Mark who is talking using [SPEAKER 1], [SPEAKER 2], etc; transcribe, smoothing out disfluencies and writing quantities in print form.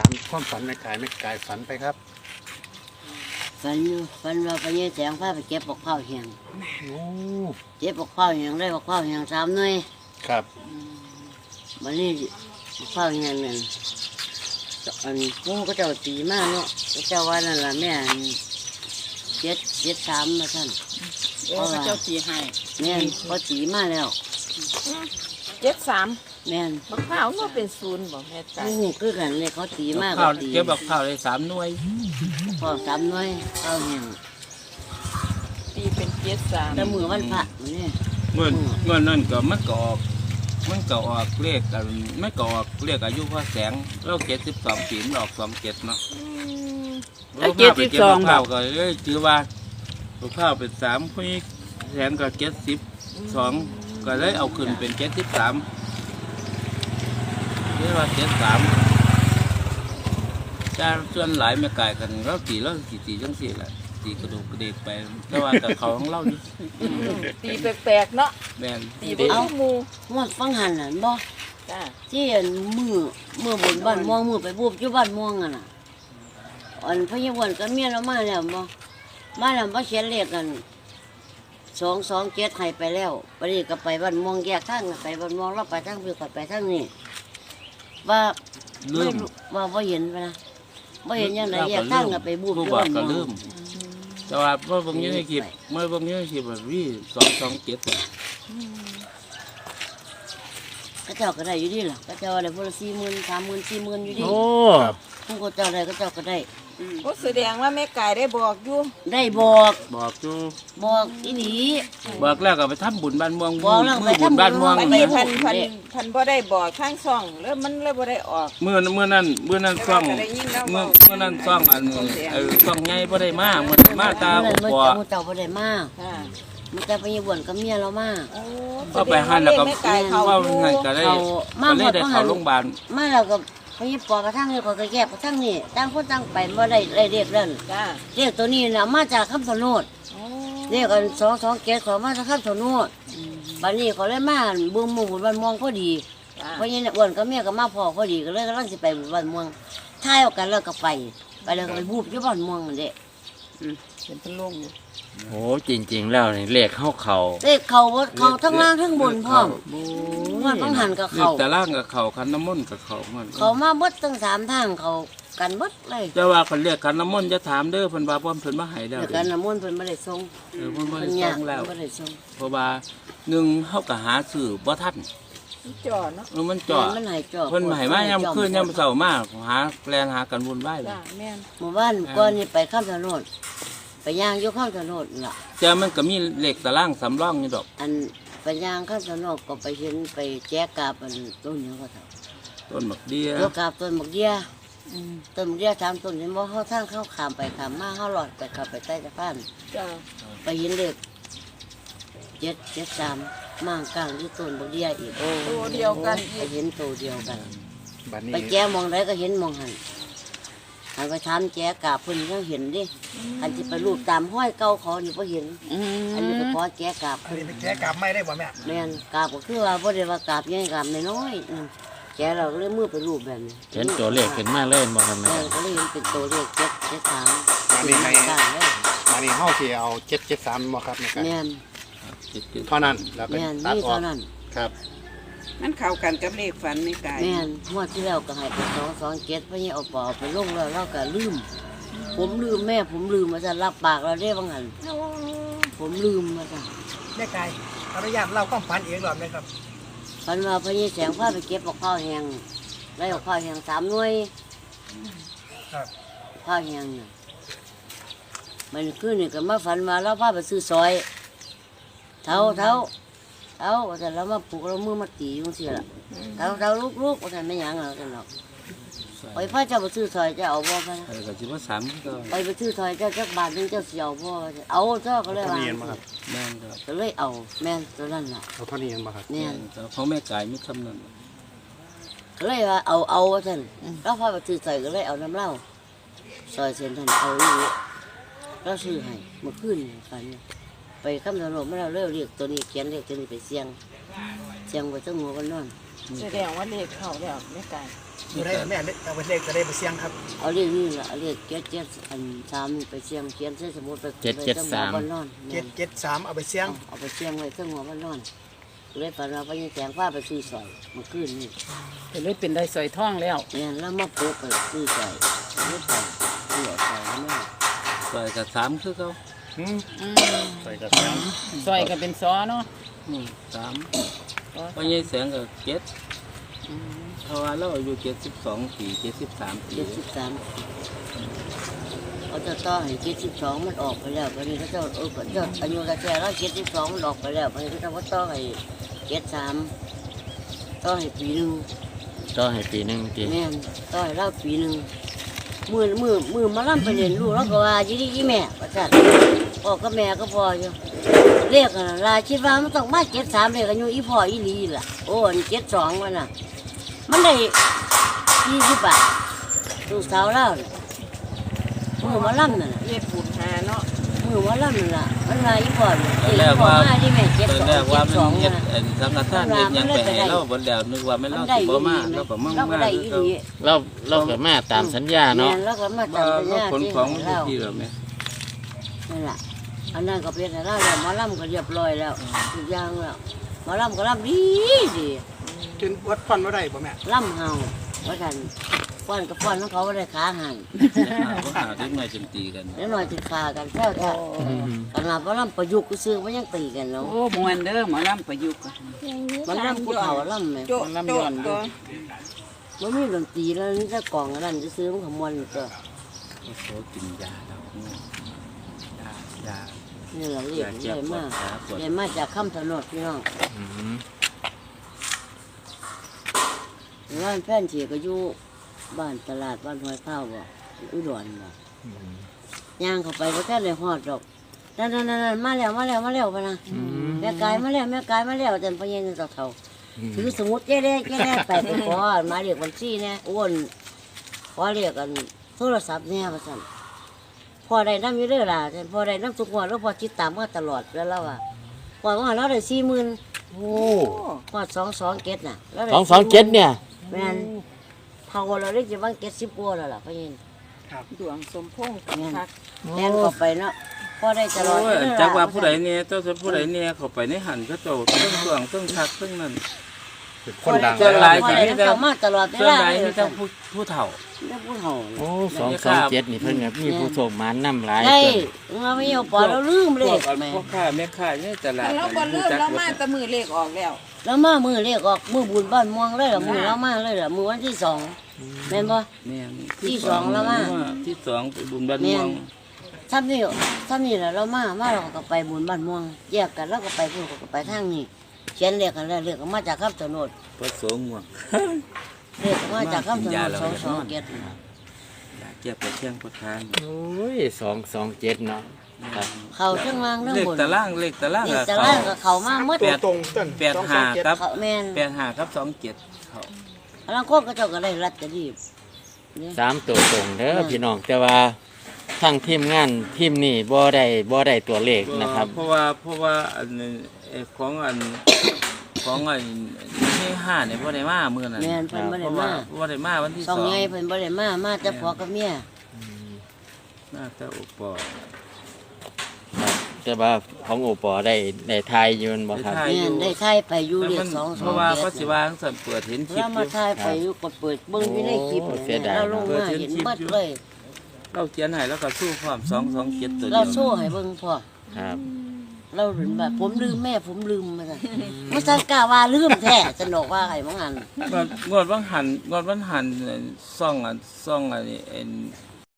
[SPEAKER 1] ความฝันแม่กายฝันไปครับ
[SPEAKER 2] ฝันอยู่ฝันว่าไปยืนแสงผ้าไปเก็บปกข้าวแห้ง
[SPEAKER 1] โอ้
[SPEAKER 2] เก็บปกข้าวแห้งได้ปกข้าวแห้ง3 หน่วย
[SPEAKER 1] ครับ
[SPEAKER 2] วันนี้ปกข้าวแห้งนั่นอันกูก็เจ้าตีมากเนาะก็เจ้าว่านั่นล่ะแม่7 3มาท่าน
[SPEAKER 3] พระเจ้าตีให้
[SPEAKER 2] แม่นพอตีมาแล้ว
[SPEAKER 3] 73
[SPEAKER 2] แม่น
[SPEAKER 3] บักพร้าวมันเป็น0บ่แม่ไก่
[SPEAKER 2] กูคือกันเลยเขาตีมาก
[SPEAKER 4] ข้าว
[SPEAKER 2] ตี
[SPEAKER 4] เก็บบักข้าวได้3 หน่วย
[SPEAKER 2] ข้าว3 หน่วยข้าวแห้ง
[SPEAKER 3] ตีเป็น73
[SPEAKER 2] แต่มือวันพระมันนี่
[SPEAKER 4] เมื่อนั้นก็มันก็ออกเลขกันไม่ก็ออกเลขอายุพ่อแสงเรา72 ปีมันออก27เนาะ
[SPEAKER 3] แล้ว
[SPEAKER 4] เราพาไปเก็บบัก
[SPEAKER 3] 72
[SPEAKER 4] ข้าวก็เลยถือว่าบักข้าวเป็น3พี่แสงก็72ก็เลยเอาขึ้นเป็น73เรียกว่า73แต่ส่วนหลายแม่กายกันเราตีจังซี่แหละตีกระดูกกระเดกไปแต่ว่าแต่เขาของเรานี่
[SPEAKER 3] ตีแปลกๆเนาะ
[SPEAKER 4] แม่น
[SPEAKER 3] ตีบ่คือหมู่
[SPEAKER 2] งวดฟังหันน่ะบ่
[SPEAKER 3] จ้า
[SPEAKER 2] ที่อันมือบนบ้านม่วงมือไปบูบอยู่บ้านม่วงอ่ะน่ะอันพญาวันก็เมียเรามาแล้วบ่มาแล้วบ่เขียนเลขกัน227ให้ไปแล้วบัดนี้ก็ไปบ้านม่วงแยกทางไปบ้านม่วงเราไปทางพี่ก็ไปทางนี้ว่า
[SPEAKER 4] ลื
[SPEAKER 2] ไม่
[SPEAKER 4] ม
[SPEAKER 2] รู้ว่าบ่เห็นปะนะบ่เห็นยังไงแยกทางก็ไปบูบ
[SPEAKER 4] ผู้
[SPEAKER 2] อยู่
[SPEAKER 4] บอก
[SPEAKER 2] บ้าน
[SPEAKER 4] ก็
[SPEAKER 2] ม่ว
[SPEAKER 4] ลื
[SPEAKER 2] ง
[SPEAKER 4] มแต่ว่าเมื่อบางยี่ในคลิปแบบวี่227
[SPEAKER 2] ก็เจ้าก็ได้อยู่ดีล่ะก็เจ้าได้พุ่นละ40,000 30,000 40,000อยู่ดี
[SPEAKER 1] โอ้
[SPEAKER 2] ผู้ก็เจ้าได้ก็เจ้าก็ได้
[SPEAKER 3] ก็แสดงว่าแม่ไก่ได้บอกอยู่
[SPEAKER 2] ได้บอก
[SPEAKER 4] บอกอยู่
[SPEAKER 2] บอกอีหลี
[SPEAKER 4] บอกแล้วก็ไปทำบุญบ้านม่วง
[SPEAKER 2] บอกแล้วไปทำบุญ
[SPEAKER 4] บ้านม่วง
[SPEAKER 3] อัน
[SPEAKER 2] ไป
[SPEAKER 3] นี้
[SPEAKER 2] ทำ
[SPEAKER 3] พันบ่ได้บอกข้างช่องแล้วมันเลยบ่ได้ออก
[SPEAKER 4] เมื่อนั้นซ่องเมื่อนั้นซ่องอันซ่องใหญ่บ่ได้มาเมื่อมาตา
[SPEAKER 2] เมื่อ
[SPEAKER 4] บ่
[SPEAKER 2] เจ้าบ่ได้มา
[SPEAKER 3] ค่ะ
[SPEAKER 2] มันจะไปยวนกับเมียเรามา
[SPEAKER 3] โอ้
[SPEAKER 4] ก็ไปหันแล้วก็
[SPEAKER 3] แม่ไก่เขา
[SPEAKER 4] ว่า
[SPEAKER 3] อยู่
[SPEAKER 4] หันก็ได้ก็เลยได้เข้าโรงพยาบาล
[SPEAKER 2] มาแล้วก็ไปยิบปอกระทั่งนี่ก็แยกกระทั่งนี่ต่างคนต่างไปบ่ได้เรียกเรื่อง
[SPEAKER 3] จ้า
[SPEAKER 2] เรียกตัวนี้น่ะมาจากคำสนด
[SPEAKER 3] โอ้
[SPEAKER 2] เรียกกัน227ขอมาจากคำสนดบัดนี้เขาเลยมาบุญหมู่บุญบ้านม่วงพอดี
[SPEAKER 3] จ้า
[SPEAKER 2] เพราะงั้นอ้วนกับเมียก็มาพอพอดีก็เลยกำลังสิไปบุญบ้านม่วงท้ายเอากันแล้วก็ไปแล้วก็ไปบูบอยู่บ้านม่วงนั่นเด้
[SPEAKER 3] เป็นพะลงอยู่
[SPEAKER 5] โอ้จริงๆแล้วนี่เลขเข้าเขา
[SPEAKER 2] เลขเขาทั้งล่างทั้งบนพร้อมมันต้องหันกับ
[SPEAKER 4] เรีย
[SPEAKER 2] เขา
[SPEAKER 4] กแต่ล่างกับเขาคันน้ำมนต์กับเขามัน
[SPEAKER 2] เขามาเบดทั้ง3 ทางเขากันเบดเลย
[SPEAKER 4] แต่ว่าคันเรียกคันน้ำมนต์จะถามเด้อเพิ่นว่าเพิ่นมาให้แล้ว
[SPEAKER 2] เดี๋ยวกันน้ำมนต์เพิ่นบ่ได้ส่ง
[SPEAKER 4] เพิ่นบ่
[SPEAKER 2] เพิ่น
[SPEAKER 4] ได้
[SPEAKER 2] ยา
[SPEAKER 4] ส่
[SPEAKER 2] ก
[SPEAKER 4] งแล้ว
[SPEAKER 2] บ่ได้ส่ง
[SPEAKER 4] เพราะว่าหนึ่งเฮาก็หาซื้อบ่ทัน
[SPEAKER 3] จ่อเนาะ
[SPEAKER 4] มันจ่อ
[SPEAKER 2] มันให้จอก
[SPEAKER 4] เพิ่นให้มายามคืนยามเช้ามาหาแลนหากันวุ่นวายเลย
[SPEAKER 3] จ้าแม่น
[SPEAKER 2] หมู่บ้านก่อนนี่ไปข้ามถนนไปย่างอยู่ข้ามถนนล่ะ
[SPEAKER 4] แต่มันก็มีเลขตารางสำรองอยู่ดอก
[SPEAKER 2] อันไปย่างข้ามถนนก็ไปเห็นไปแจกกาบอันต้นหยังก็เท่า
[SPEAKER 4] ต้นบักเดีย
[SPEAKER 2] ตัวกาบต้นบักเดียต้นบักเดีย3 ต้นเห็นบ่เฮาทางเข้าขามไปขามมาเฮาหลอดไปเข้าไปใต้สะพาน
[SPEAKER 3] จ้า
[SPEAKER 2] ไปเห็นเลข773มางกลางที่ต้นบักเดียอีก
[SPEAKER 3] ตัวเดียวกัน
[SPEAKER 2] ไป
[SPEAKER 3] อีก
[SPEAKER 2] เห็นตัวเดียวกัน
[SPEAKER 1] บัดนี้
[SPEAKER 2] ไปแจมองใดก็เห็นมองหันหันไปถามแจกาบเพิ่นยังเห็นดิอันที่ไปรูปตามห้อยเก่าเขานี่บ่เห็น อันนี้ไปขอแจกาบ
[SPEAKER 6] อัน
[SPEAKER 2] เพิ่น
[SPEAKER 6] นี้ไปแก้กลับไม่ได้บ่แม่
[SPEAKER 2] แม่นกาบก็คือว่าบ่ได้ว่ากาบใหญ่กาบน้อยๆนั่นแจเราก็เลยมือไปรูปแบบนี้
[SPEAKER 5] เห็นตัวเลขขึ้นมาเล่นบ่ครับแม่
[SPEAKER 2] แม่ก็เลยเห็นเป็นตัวเลข773
[SPEAKER 1] บัดนี้ให้
[SPEAKER 2] กลางเลย
[SPEAKER 1] บัดนี้เฮาสิเอา773บ่ครับแม่กาย
[SPEAKER 2] แม่น
[SPEAKER 1] เท่านั้นแล้วก็
[SPEAKER 2] แม่น
[SPEAKER 1] ตัด
[SPEAKER 2] มี
[SPEAKER 1] ออ
[SPEAKER 2] เท่าก นั้น
[SPEAKER 1] ครับ
[SPEAKER 3] มันเข้ากันกับเลขฝันแม่ไก่
[SPEAKER 2] แม่นงวดที่แล้วก็ให้ไป227เพราะนี่เอาปอไปลงแล้วเราก็ลืม ผมลืมแม่ผมลืมมาจะรับปากเราได้บางหันผมลืมมาจ้ะ
[SPEAKER 6] แม่ไก่อนุญาตเล่าความฝันเองหรอไหมครับ
[SPEAKER 2] ฝันว่าพญแสงพาไปเก็บข้าวแห้งได้ข้าวแห้ง3 หน่วย
[SPEAKER 6] ครับ
[SPEAKER 2] ข้าวแห้งน่ะมันคือนี่ก็มาฝันว่าเราพาไปซื้อซอยเท้าว่าแต่เรามาปลูกเรามือมาตีอยู่สิล่ะเท้าลูกว่าแต่ไม่หยังหรอกกันหรอกไปพาเจ้าไปซื้อซอยเจ้าเอาบ่พะนะ
[SPEAKER 4] ก็สิว่า3ก็
[SPEAKER 2] ไปซื้อซอยเจ้าจักบาทนึงเจ้าสิเอาบ่เอาเจ้าก็เลย
[SPEAKER 1] เท่า
[SPEAKER 2] ว่า
[SPEAKER 1] นี้เห็นบ่ครับ
[SPEAKER 4] แม่นครับ
[SPEAKER 2] ก็เลยเอาแม่นตัวนั้นน่ะ
[SPEAKER 1] เอาเท่านี้เห็นบ่ครับ
[SPEAKER 2] เนี่ย
[SPEAKER 4] แต่ของแม่กายมีคำนั้น
[SPEAKER 2] ก็เลยว่าเอาว่าท่านเราพาไปซื้อซอยก็เลยเอาน้ำเหล้าซอยเส้นท่านเอาอยู่เราซื้อให้เมื่อคืนนี่ฝันไปคำถนนมาเราเรียกตัวนี้เขียนเรียกตัวนี้ไปเสียงไว้ตั้งหัวกันนอน
[SPEAKER 3] แสดงว่าเลขเข้าแล้วแม่ไก่
[SPEAKER 6] อยู่ได้แม่เอาไปเลขจะได้ไปเสี่ยงครับ
[SPEAKER 2] เอาเรียกนี่ล่ะเอาเรียก773นี่ไปเสี่ยงเขียนใส่สมุดไปวันนอน
[SPEAKER 6] 773เอาไปเสี่ยง
[SPEAKER 2] เอาไปเสี่ยงไว้เครื่องหัววันนอนเลยฝันว่าไปยังแสงฟ้าไปซื้อสอยเมื่อคืนนี่
[SPEAKER 7] ก็เลยเป็นได้สอยท่องแล้ว
[SPEAKER 2] เนี่ยแล้วมาปลูกไปซื้อสอยซื้อสอยซื้อสอยแม่
[SPEAKER 4] ซอยกับ3คือเขา
[SPEAKER 1] ใส่กระแสง
[SPEAKER 7] ซอยก็เป็นซอเนาะ
[SPEAKER 4] 3เพราะยังแสงกับ7เพราะว่าเราอายุ72ปี73ปี
[SPEAKER 2] 73เขาจะต่อให้72มันออกไปแล้วก็นี่เขาเจ้าก็เจ้าอายุกระแสแล้ว72มันออกไปแล้วก็นี่เขาเจ้าว่าต่อให้73ต่อให้ปีหนึง
[SPEAKER 5] ก็ให้ปีหนึงที
[SPEAKER 2] แม่นต่อให้เราปีหนึงมือมาล่ำไปเรียนรู้แล้วก็ว่ายี่ดีแม่ประจัดพ่อกับแม่ก็พออยู่เรียกกันลาคิดว่ามันต้องมา73เรียกกันอยู่อีพ่ออีหลีล่ะโอ้อัน72มันน่ะมันได้20 บาทลูกสาวเราน่ะมือมาล่ำนั่นน่ะ
[SPEAKER 3] เฮ็ดบุญหาเนาะ
[SPEAKER 2] มือมาล่ำนั่นล่ะมันมาอีพ่อนี่
[SPEAKER 4] ตอนแรก
[SPEAKER 2] พ่อ
[SPEAKER 4] ว่า
[SPEAKER 2] มาที่แม่
[SPEAKER 4] ตอนแรกว่ามัน
[SPEAKER 2] 72
[SPEAKER 4] เฮ็ด
[SPEAKER 2] นะ
[SPEAKER 4] สังฆทานเฮ็ดหยังไปให้เราบ่แล้วนึกว่าแม่น
[SPEAKER 2] มั
[SPEAKER 4] เรา
[SPEAKER 2] นได้
[SPEAKER 4] สิ
[SPEAKER 2] อี
[SPEAKER 4] บ่
[SPEAKER 2] หลี
[SPEAKER 4] มาเราก็มั่ง
[SPEAKER 2] เราก็
[SPEAKER 4] มา
[SPEAKER 2] ได้
[SPEAKER 4] คือ
[SPEAKER 2] อีห
[SPEAKER 4] เขา
[SPEAKER 2] ลี
[SPEAKER 5] เราก็มาตามสัญญาเนาะ
[SPEAKER 2] แม่แล้วก็มา
[SPEAKER 4] ว่า
[SPEAKER 2] จำสัญ
[SPEAKER 4] เรา
[SPEAKER 2] ญา
[SPEAKER 4] ขนของมัน
[SPEAKER 2] เรา
[SPEAKER 4] ที่แล้วแม่
[SPEAKER 2] นั่นแหละอันนั้นก็เป็นแต่เราแล้วหมอลำก็เรียบร้อยแล้วทุกอย่างแล้วหมอลำก็ลำดีดี
[SPEAKER 6] จนวัดฟันบ่ได้บ่แม่
[SPEAKER 2] ลำเฮาว่ากันฟ้อนกับฟ้อนของเขาไม่ได้ขาหัน
[SPEAKER 4] บ่หาเด็กน้อยจนตีกัน
[SPEAKER 2] แล้วหน่อยติดขากันแค่ค่ะขนาดหมอลำประยุกต์ก็ซื้อมันยังตีกันเนาะ
[SPEAKER 7] โอ้มวนเด้อหมอลำประยุกต์อะ
[SPEAKER 2] หมันลำกูเฒ่าลำไหม
[SPEAKER 3] โจ๊ะโจ๊ะก็
[SPEAKER 2] มันมีดนตรีแล้วนี่ถ้ากล่องอันนั้นจะซื้อมันขมวนอยู่ก็
[SPEAKER 4] เขากินยาแล้วยา
[SPEAKER 2] นี่แหละเรียกใหญ่มากใหญ่มากจากคำถนนพี่น้อง
[SPEAKER 5] อืม
[SPEAKER 2] ร้านแฟนเฉียก็อยู่บ้านตลาดบ้านห้วยข้าวบ่อุดรบ่ย่างเข้าไปก็แค่เลยฮอดดอกนั่นมาแล้วพะนะแม่กายมาแล้วจันพะเย็นเฒ่าๆถือสมุดแย่ๆไปขอมาเรียกบัญชีแน่อ้วนขอเรียกกันโทรศัพท์แน่ว่าซั่นพอได้นำอยู่เด้อล่ะจันพอได้นำทุกงวดแล้วพอติดตามมาตลอดแล้วเราอ่ะพอว่าเราได้ 40,000
[SPEAKER 5] โอ้
[SPEAKER 2] พอ227น่ะแล้วได้
[SPEAKER 5] 227เนี่ย
[SPEAKER 2] แม่นเฮาเราได้สิว่า70กว่าแล้วล่ะพะเย็น
[SPEAKER 3] ดวงสมพงษ์กับคัก
[SPEAKER 2] แม่นเข้าไปเนาะพอได้ตลอด
[SPEAKER 4] โอ้ยจักว่าผู้ใดเนี่ยเจ้าผู้ใดเนี่ยเข้าไปในหันก็เจ้าเครื่องเครื่องเครื่องทักเครื่องนั้น
[SPEAKER 1] เป็นคนดัง
[SPEAKER 4] เจ้าหลาย
[SPEAKER 2] พอได้เข้ามาตลอดเว
[SPEAKER 4] ส่วน
[SPEAKER 2] ลา
[SPEAKER 4] ใหญ่
[SPEAKER 2] เลย
[SPEAKER 4] มีแต่ผู้เฒ่า
[SPEAKER 2] ได้ผู้เฒ่า
[SPEAKER 5] โอ้227นี่เพิ่นก็มีผู้ส่งมานำหลาย
[SPEAKER 2] ได้
[SPEAKER 5] เพิ่น
[SPEAKER 2] เราไม่เอาปอเราลืมเล
[SPEAKER 4] พว
[SPEAKER 2] ข
[SPEAKER 4] กพ่อค้าแม่ค้าเนี่ยตลาด
[SPEAKER 3] เราบ่ลืมเรามาแต่มือเลขออกแล้ว
[SPEAKER 2] แล้วมามือเลขออกมือบุญบ้านม่วงเลยล่ะมือเรามาเลยล่ะมือวันที่2แม่นบ่
[SPEAKER 4] แม่น
[SPEAKER 2] ที่สองแล้วมา
[SPEAKER 4] ที่สองไปบุญบ้านม่วง
[SPEAKER 2] ทำนี่แหละเรามาเราก็ไปบุญบ้านม่วงแยกกันแล้วก็ไปพุ่นก็ไปทางนี้เขียนเลขกันแล้วเลขก็มาจากคำถนน
[SPEAKER 4] พระสงฆ์ม่วง
[SPEAKER 2] เลขก็มาจากคำถนน227
[SPEAKER 4] อยากเก็บไปเที่ยงประทาน
[SPEAKER 5] โอ้ย227เนาะครับ
[SPEAKER 2] เขาทั้งล่างทั้ง
[SPEAKER 4] เลข
[SPEAKER 2] บน
[SPEAKER 4] ตารางเลขตาราง
[SPEAKER 2] เลข
[SPEAKER 4] อะ
[SPEAKER 2] ตะ
[SPEAKER 4] เขา
[SPEAKER 2] ล่างก็เขามาหมด
[SPEAKER 6] ตัวตรงต้น
[SPEAKER 4] 85ครับ
[SPEAKER 2] เขาแม่น
[SPEAKER 4] 85ครับ27เขา
[SPEAKER 2] บางคนก็เจ้าก็ได้รัดจะดีเนี่ย
[SPEAKER 5] 3ตัวตรงเด้อพี่น้องแต่ว่าทางทีมงานทีมนี้บ่ได้ตัวเลขนะครับ
[SPEAKER 4] เพราะว่าอันนี้ของอันที่5เนี่ยบ่ได้มามื้อนั้น
[SPEAKER 2] แม่นเพิ่นบ่
[SPEAKER 4] เพ
[SPEAKER 2] ได้
[SPEAKER 4] ราะว่า
[SPEAKER 2] มา
[SPEAKER 4] บ่ได้มาวันที่
[SPEAKER 2] สอง
[SPEAKER 4] 2
[SPEAKER 2] ไงเพิ่นบ่ได้มาแต่ผัวกับเมีย
[SPEAKER 4] น่าจะอุปอ
[SPEAKER 5] แต่ว่าของโอปอได้ทายอยืนบ่ครับ
[SPEAKER 4] ได้
[SPEAKER 2] แม่นได้ทายไปอยู่เรียก
[SPEAKER 4] เพราะว่าเขาสิว่าจังซั่นเปิดเห็นคลิ
[SPEAKER 2] แล้
[SPEAKER 4] ป
[SPEAKER 2] ว
[SPEAKER 4] อ
[SPEAKER 2] มา
[SPEAKER 4] ยู่
[SPEAKER 2] ทายไปอยู่ก็เปิดเบิ่งอยู่ในคลิป
[SPEAKER 5] โอ้เสียดาย
[SPEAKER 2] เราลงมาเห็นหมดเลย
[SPEAKER 4] เราเขียนให้แล้วก็สู้ความ227ตัวเดี
[SPEAKER 2] เรา
[SPEAKER 4] ยว
[SPEAKER 2] โซ่ให้เบิ่งพ่อ
[SPEAKER 5] ครับ
[SPEAKER 2] เราเห็นแบบผมลืมแม่ผมลืมมาซั่นมันซั่นกล้าว่าลืมแท้สนุกว่าไอ้มังอัน
[SPEAKER 4] งวดวันหันซ่องอันนี้